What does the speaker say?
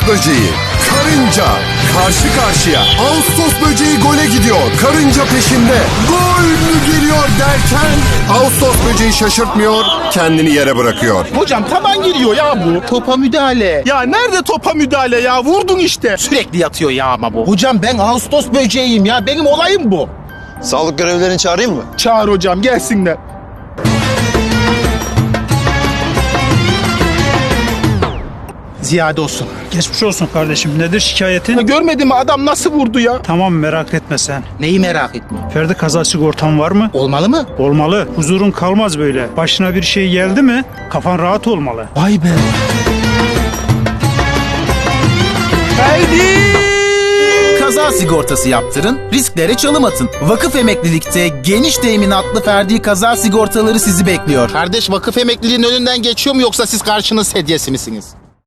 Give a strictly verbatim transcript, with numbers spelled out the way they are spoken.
böceği, karınca karşı karşıya. Ağustos böceği gole gidiyor. Karınca peşinde. Gol mü geliyor derken Ağustos böceği şaşırtmıyor, kendini yere bırakıyor. Hocam taban giriyor ya bu. Topa müdahale. Ya nerede topa müdahale ya? Vurdun işte. Sürekli yatıyor ya ama bu. Hocam ben Ağustos böceğiyim ya. Benim olayım bu. Sağlık görevlilerini çağırayım mı? Çağır hocam gelsinler. Ziyade olsun. Geçmiş olsun kardeşim. Nedir şikayetin? Görmedin mi adam nasıl vurdu ya? Tamam, merak etme sen. Neyi merak etme. Ferdi kaza sigortan var mı? Olmalı mı? Olmalı. Huzurun kalmaz böyle. Başına bir şey geldi mi kafan rahat olmalı. Vay be. Ferdi! Kaza sigortası yaptırın, risklere çalım atın. Vakıf Emeklilik'te geniş teminatlı ferdi kaza sigortaları sizi bekliyor. Kardeş vakıf emekliliğinin önünden geçiyor mu yoksa siz karşınız sedyesi misiniz?